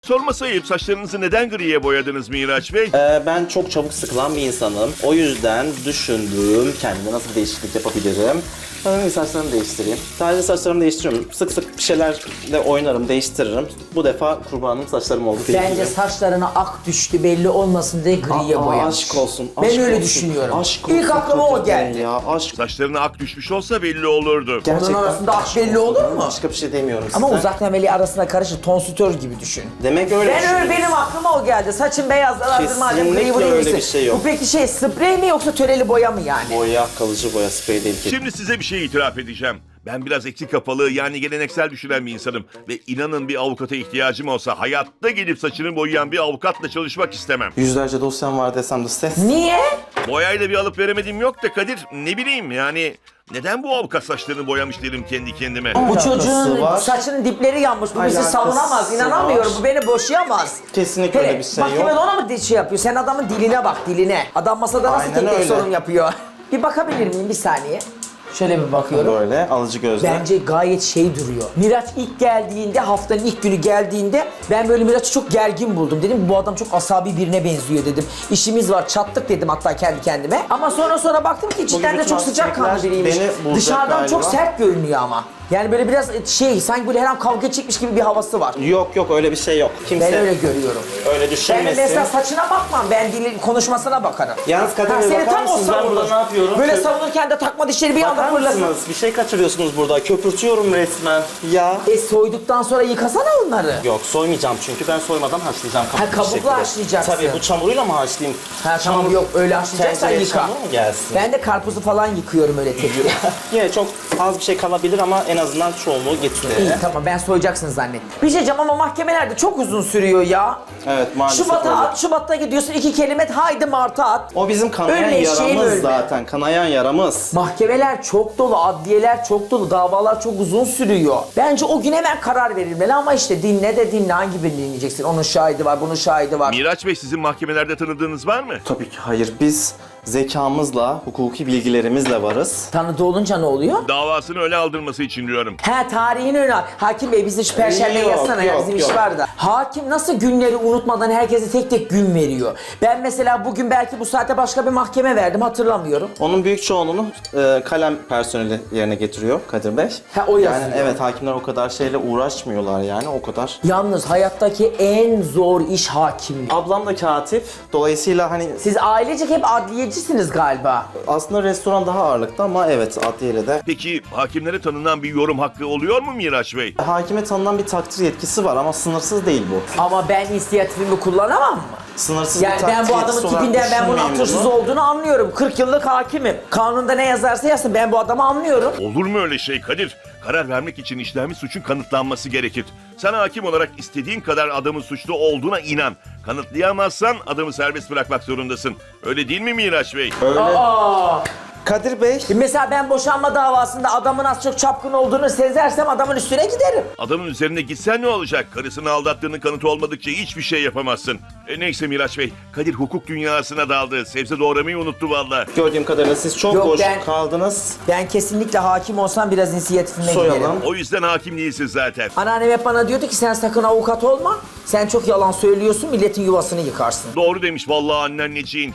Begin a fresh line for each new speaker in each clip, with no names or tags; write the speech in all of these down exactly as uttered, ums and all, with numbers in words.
Sorması ayıp, saçlarınızı neden griye boyadınız Miraç Bey?
Ee, ben çok çabuk sıkılan bir insanım. O yüzden düşündüm kendime nasıl bir değişiklik yapabilirim. Ben saçlarımı değiştireyim. Sadece saçlarımı değiştiriyorum. Sık sık bir şeylerle oynarım, değiştiririm. Bu defa kurbanım saçlarım oldu.
Bence saçlarına ak düştü belli olmasın diye griye
Aa,
boyamış.
aşk olsun.
Ben
aşk
öyle
olsun,
düşünüyorum.
Aşk
İlk
olsun
aklıma o
Kadir
geldi.
Bey Ya, aşk.
Saçlarına ak düşmüş olsa belli olurdu.
Onun arasında ak belli olur mu?
Başka bir şey demiyorum
Ama
size.
uzak memeli arasına karışır, tonsütör gibi düşün.
Demek öyle
Ben öyle
düşünüyorsun.
benim aklıma o geldi. Saçın beyazlar madem
Kesinlikle
griyi buraya
öyle
gitsin.
bir şey yok.
Bu peki şey sprey mi yoksa töreli boya mı yani?
Boya, kalıcı boya, sprey değil ki.
Şimdi size bir şey itiraf edeceğim. Ben biraz eksik kafalı yani geleneksel düşünen bir insanım. Ve inanın bir avukata ihtiyacım olsa hayatta gelip saçını boyayan bir avukatla çalışmak istemem.
Yüzlerce dosyam var desem de ses.
Niye?
Boyayla bir alıp veremediğim yok da Kadir, ne bileyim yani... Neden bu avukat saçlarını boyamış derim kendi kendime.
Bu
Alakası
çocuğun
var.
saçının dipleri yanmış. Bu bizi
Alakası
savunamaz. İnanamıyorum.
var.
Bu beni boşayamaz.
Kesinlikle
Hele,
öyle bir şey
mahkemede
yok.
ona mı şey yapıyor? Sen adamın diline bak, diline. Adam masada nasıl
Aynen
tek tek
öyle.
sorun yapıyor? Bir bakabilir miyim bir saniye? Şöyle bir bakıyorum.
Böyle alıcı gözle.
Bence gayet şey duruyor. Miraç ilk geldiğinde, haftanın ilk günü geldiğinde ben böyle Miraç'ı çok gergin buldum. Dedim bu adam çok asabi birine benziyor dedim. İşimiz var, çattık dedim hatta kendi kendime. Ama sonra sonra baktım ki cidden de
bütün
çok sıcakkanlı
hastalıklar
biriymiş.
beni bulacak
Dışarıdan çok
galiba.
sert görünüyor ama. Yani böyle biraz şey, sanki böyle her an kavga çekmiş gibi bir havası var.
Yok yok öyle bir şey yok. Kimse
Ben öyle görüyorum.
öyle
Ben
düşünmesin.
mesela saçına bakmam, ben dilin konuşmasına bakarım.
Yalnız Kadir
Ha,
Bey,
seni
bakar
tam o
mısınız? Ben
savunur.
burada ne yapıyorum?
Böyle
Kö-
savunurken de takma dişleri bir anda
Bakar
fırlasın.
mısınız? Bir şey kaçırıyorsunuz burada. Köpürtüyorum resmen. Ya.
E soyduktan sonra yıkasana onları.
Yok soymayacağım çünkü ben soymadan haşlayacağım.
Ha,
kabuklu bir
kabuklu
şekilde.
haşlayacaksın.
Tabii bu çamuruyla mı haşlayayım?
Ha tamam yok öyle haşlayacaksan
Tencereye
yıka.
çamur mu gelsin?
Ben de karpuzu falan yıkıyorum öyle tek tek.
Yine çok az bir şey kalabilir ama en azından çoğunluğu getiriyor.
İyi tamam ben soyacaksın zannettim. Bir şey diyeceğim ama mahkemelerde çok uzun sürüyor ya.
Evet maalesef
Şubat'a
öyle.
at, Şubat'ta gidiyorsun iki kelime haydi Mart'a at.
O bizim kanayan
Ölme eşeğim,
yaramız
ölme.
zaten. Kanayan yaramız.
Mahkemeler çok dolu, adliyeler çok dolu, davalar çok uzun sürüyor. Bence o gün hemen karar verilmeli ama işte dinle de dinle hangi birini dinleyeceksin? Onun şahidi var, bunun şahidi var.
Miraç Bey, sizin mahkemelerde tanıdığınız var mı?
Tabii ki hayır. Biz zekamızla, hukuki bilgilerimizle varız.
Tanıdığı olunca ne oluyor?
Davasını öyle aldırması için diyorum.
He tarihin önü. Hakim Bey bizi şu perşembe
Yok,
yazsana ya
yok,
bizim iş
yok.
var da. Hakim nasıl günleri unutmadan herkese tek tek gün veriyor. Ben mesela bugün belki bu saate başka bir mahkeme verdim hatırlamıyorum.
Onun büyük çoğunluğunu e, kalem personeli yerine getiriyor Kadir Bey.
Ha, o yazıyor.
Yani evet hakimler o kadar şeyle uğraşmıyorlar yani o kadar.
Yalnız hayattaki en zor iş hakimlik.
Ablam da katip. Dolayısıyla hani
Siz ailecek hep adliyecisiniz galiba.
aslında restoran daha ağırlıklı ama evet adliyeyle de.
Peki hakimlere tanınan bir yorum hakkı oluyor mu Miraç Bey?
Hakime tanınan bir takdir yetkisi var ama sınırsız değil bu.
Ama ben inisiyatifimi kullanamam mı?
Sınırsız
Yani
bir takdir
ben bu adamın
yetkisi olarak
tipinden ben bunun
düşünmeyin
atırsız
bunu.
olduğunu anlıyorum. kırk yıllık hakimim. Kanunda ne yazarsa yazsın ben bu adamı anlıyorum.
Olur mu öyle şey Kadir? Karar vermek için işlenmiş suçun kanıtlanması gerekir. Sen hakim olarak istediğin kadar adamın suçlu olduğuna inan. Kanıtlayamazsan adamı serbest bırakmak zorundasın. Öyle değil mi Miraç Bey?
Öyle.
Aa!
Kadir Bey.
Mesela ben boşanma davasında adamın az çok çapkın olduğunu sezersem adamın üstüne giderim.
Adamın üzerine gitsen ne olacak? Karısını aldattığının kanıtı olmadıkça hiçbir şey yapamazsın. E neyse Miraç Bey, Kadir hukuk dünyasına daldı. Sebze doğramayı unuttu valla.
Gördüğüm kadarıyla siz çok
Yok,
boş
ben-
kaldınız.
Ben kesinlikle hakim olsam biraz inisiyatifime
Soyalım.
giderim.
O yüzden hakim değilsin zaten.
Anneannem hep bana diyordu ki sen sakın avukat olma. Sen çok yalan söylüyorsun, milletin yuvasını yıkarsın.
Doğru demiş vallahi anneciğin.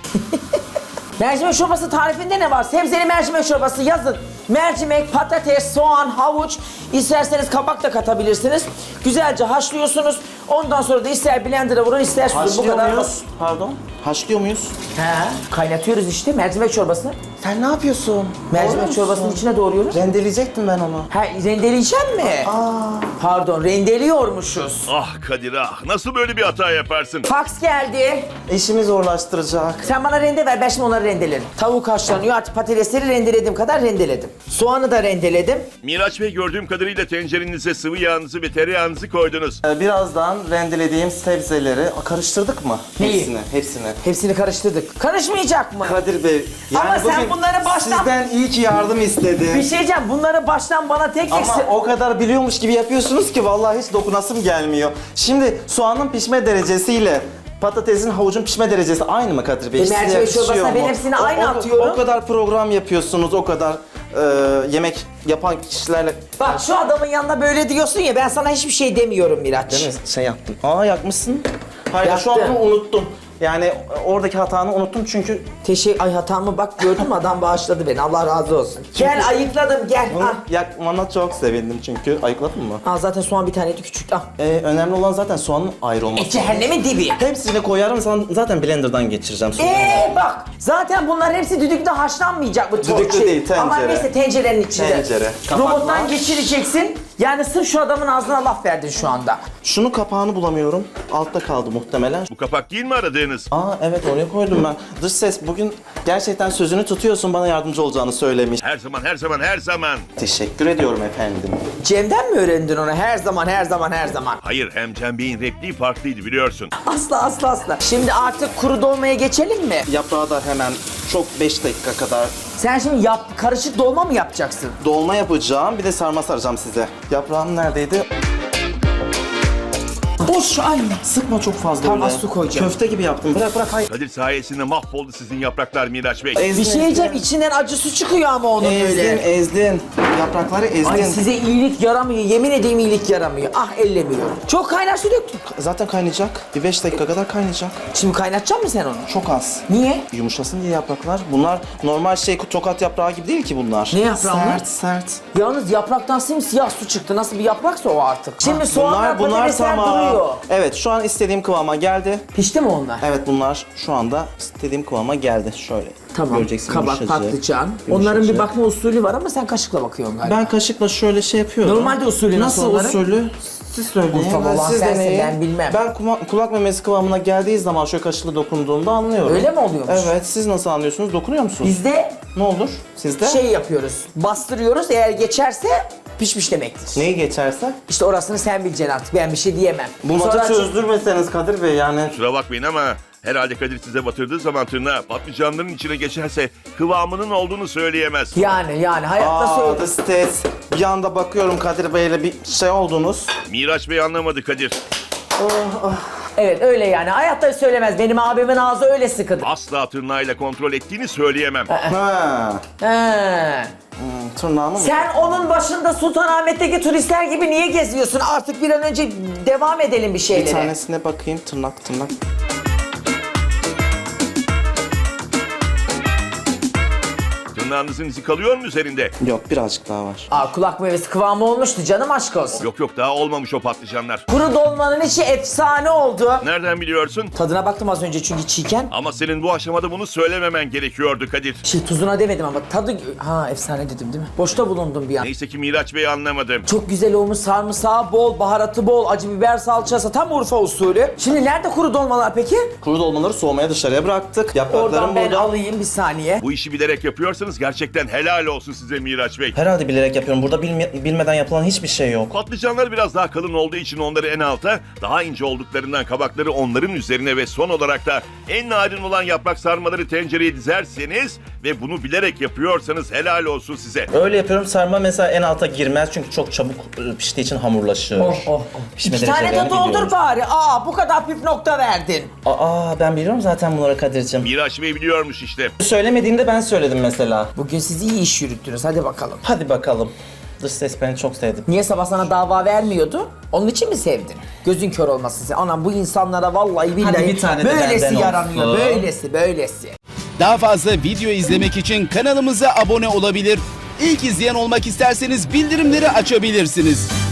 Mercimek çorbası tarifinde ne var? Sebzeli mercimek çorbası yazın. Mercimek, patates, soğan, havuç, isterseniz kabak da katabilirsiniz. Güzelce haşlıyorsunuz. Ondan sonra da ister blender'a vurun, ister süzün. Bu
Haşlıyor
kadar.
muyuz? Pardon. Haşlıyor muyuz?
He, kaynatıyoruz işte mercimek çorbasını.
Sen ne yapıyorsun?
Mercimek
Doğru
çorbasının
musun?
içine doğruyoruz.
Rendeleyecektim ben onu.
Ha, rendeleyecek mi? Pardon, rendeliyormuşuz.
Ah Kadir ah, nasıl böyle bir hata yaparsın?
Fax geldi.
İşimi zorlaştıracak.
Sen bana rende ver, ben şimdi onları rendelerim. Tavuk haşlanıyor, artık patatesleri rendelediğim kadar rendeledim. Soğanı da rendeledim.
Miraç Bey, gördüğüm kadarıyla tencerenize sıvı yağınızı ve tereyağınızı koydunuz.
Ee, Birazdan rendelediğim sebzeleri Aa, karıştırdık mı?
Neyi?
Hepsini, hepsini.
Hepsini karıştırdık. Karışmayacak mı?
Kadir Bey, yani
Ama sen
bugün
bunları baştan-
sizden iyi ki yardım istedim.
Bir şey diyeceğim, bunları baştan bana tek tek...
Ama
se-
o kadar biliyormuş gibi yapıyorsunuz ki vallahi hiç dokunasım gelmiyor. Şimdi soğanın pişme derecesiyle Patatesin, havucun pişme derecesi aynı mı Kadir Bey?
E,
Size
mercimek
yakışıyor
çorbasına
mu?
ben hepsini
O-
aynı
o-
atıyorum.
O kadar program yapıyorsunuz, o kadar e, yemek yapan kişilerle...
Bak şu adamın yanında böyle diyorsun ya, ben sana hiçbir şey demiyorum Miraç.
Değil mi? Şey yaptım. Aa yakmışsın. Hayır şu an
Yaktım.
onu unuttum. Yani oradaki hatanı unuttum çünkü
Teşekkür, ay hatamı bak gördün mü, adam bağışladı beni, Allah razı olsun. Gel ayıkladım, gel.
bunu
Al.
yakmana çok sevindim çünkü. Ayıkladın mı?
Al zaten soğan bir taneydi, küçük. Al.
Ee, önemli olan zaten soğanın ayrı olması.
E cehennemin dibi.
Hepsini koyarım, sana zaten blenderdan geçireceğim sonra.
Eee bak, zaten bunların hepsi düdükte haşlanmayacak bu
Düdüklü
şey.
değil, tencere.
Ama neyse tencerenin içinde.
Tencere. Kapak
Robottan
var.
geçireceksin. Yani sırf şu adamın ağzına laf verdin şu anda.
Şunu kapağını bulamıyorum. Altta kaldı muhtemelen.
Bu kapak değil mi aradığınız?
Aa evet oraya koydum ben. Dış ses bugün gerçekten sözünü tutuyorsun, bana yardımcı olacağını söylemiş.
Her zaman, her zaman, her zaman.
Teşekkür ediyorum efendim.
Cem'den mi öğrendin onu? Her zaman, her zaman, her zaman.
Hayır, hem Cem Bey'in repliği farklıydı biliyorsun.
Asla, asla, asla. Şimdi artık kuru dolmaya geçelim mi?
Yaprağı da hemen çok beş dakika kadar
Sen şimdi yap, karışık dolma mı yapacaksın?
dolma yapacağım. Bir de sarma saracağım size. Yaprağım neredeydi?
Boş anne.
Sıkma çok fazla
Tamam,
öyle.
su koyacağım.
Köfte gibi yaptım. Bırak bırak hayır.
Kadir sayesinde mahvoldu sizin yapraklar Miraç Bey.
Bir şey diyeceğim, içinden acı su çıkıyor ama onun
Ezdin,
öyle.
ezdin. Yaprakları ezdin.
Ay size iyilik yaramıyor, yemin edeyim iyilik yaramıyor. Ah ellemiyorum. Çok kaynar su döktün.
Zaten kaynayacak. Bir beş dakika kadar kaynayacak.
Şimdi kaynatacak mısın sen onu?
Çok az.
Niye?
Yumuşasın diye yapraklar. Bunlar normal şey tokat yaprağı gibi değil ki bunlar.
Ne yaprağı bunlar?
Sert sert.
Yalnız yapraktan simsiyah su çıktı. Nasıl bir yapraksa o artık. Şimdi soğanlar,
bunlar, bunlar
patatesler
tamam.
duruyor.
Evet şu an istediğim kıvama geldi.
Pişti mi onlar?
Evet bunlar şu anda istediğim kıvama geldi. Şöyle.
Tamam.
Göreceksin
Kabak,
yumuşacık,
patlıcan.
yumuşacık.
Onların bir bakma usulü var ama sen kaşıkla bakıyorsun galiba.
Ben kaşıkla şöyle şey yapıyorum.
Normalde usulü nasıl
Nasıl
onların?
usulü? Siz söyleyin.
Urfalı olan
siz
sensin,
deneyin.
ben bilmem.
Ben kuma- kulak memesi kıvamına geldiği zaman şöyle kaşıkla dokunduğumda anlıyorum.
Öyle mi oluyormuş?
Evet. Siz nasıl anlıyorsunuz? Dokunuyor musunuz?
Bizde
Ne olur? Sizde?
şey yapıyoruz. Bastırıyoruz. Eğer geçerse pişmiş demektir.
Neyi geçerse?
İşte orasını sen bileceksin artık. Ben bir şey diyemem.
Bulmaca
Sonra-
çözdürmeseniz Kadir Bey yani.
Kusura bakmayın ama herhalde Kadir size batırdığı zaman tırnağı patlıcanların içine geçerse kıvamının olduğunu söyleyemez.
Yani yani hayatta
Aa,
söyle.
the stes. Bir anda bakıyorum Kadir Bey'le bir şey oldunuz.
Miraç Bey anlamadı Kadir.
Evet öyle yani. Hayatta söylemez. Benim abimin ağzı öyle sıkıdır.
Asla tırnağıyla kontrol ettiğini söyleyemem.
Ha.
He.
Hmm, tırnağımı mı?
Sen onun başında Sultanahmet'teki turistler gibi niye geziyorsun? Artık bir an önce devam edelim bir
Bir
şeylere.
tanesine bakayım tırnak tırnak.
Tırnağınızın izi kalıyor mu üzerinde?
Yok birazcık daha var.
Aa, kulak meyvesi kıvamı olmuştu canım, aşk olsun.
Yok yok daha olmamış o patlıcanlar.
Kuru dolmanın içi efsane oldu.
Nereden biliyorsun?
Tadına baktım az önce çünkü çiğken.
Ama senin bu aşamada bunu söylememen gerekiyordu Kadir.
Şey tuzuna demedim ama tadı... Ha efsane dedim değil mi? Boşta bulundum bir an.
Neyse ki Miraç Bey anlamadı.
Çok güzel olmuş, sarımsağı bol, baharatı bol, acı biber salçası, tam Urfa usulü. Şimdi nerede kuru dolmalar peki?
Kuru dolmaları soğumaya dışarıya bıraktık. Yapraklarım
Oradan ben
burada.
alayım bir saniye.
Bu işi bilerek yapıyorsanız gerçekten helal olsun size Miraç Bey.
Herhalde bilerek yapıyorum. Burada bilme- bilmeden yapılan hiçbir şey yok.
Patlıcanlar biraz daha kalın olduğu için onları en alta, daha ince olduklarından kabakları onların üzerine ve son olarak da en narin olan yaprak sarmaları tencereye dizerseniz ve bunu bilerek yapıyorsanız helal olsun size.
Öyle yapıyorum. Sarma mesela en alta girmez çünkü çok çabuk e, piştiği için hamurlaşır.
Oh oh oh.
Pişme
İki tane de
derecelerini
doldur
biliyorum.
bari. Aa bu kadar püf nokta verdin.
Aa ben biliyorum zaten bunları Kadir'cim.
Miraç Bey biliyormuş işte.
Söylemediğinde ben söyledim mesela.
Bugün siz iyi iş yürüttünüz, hadi bakalım.
Hadi bakalım. Dış ses beni çok sevdim.
Niye sabah sana dava vermiyordu? Onun için mi sevdin? Gözün kör olmasın sen. Anam bu insanlara vallahi billahi
bir tane de
böylesi
benden
yaranıyor.
olsun.
Böylesi böylesi.
Daha fazla video izlemek için kanalımıza abone olabilir. İlk izleyen olmak isterseniz bildirimleri açabilirsiniz.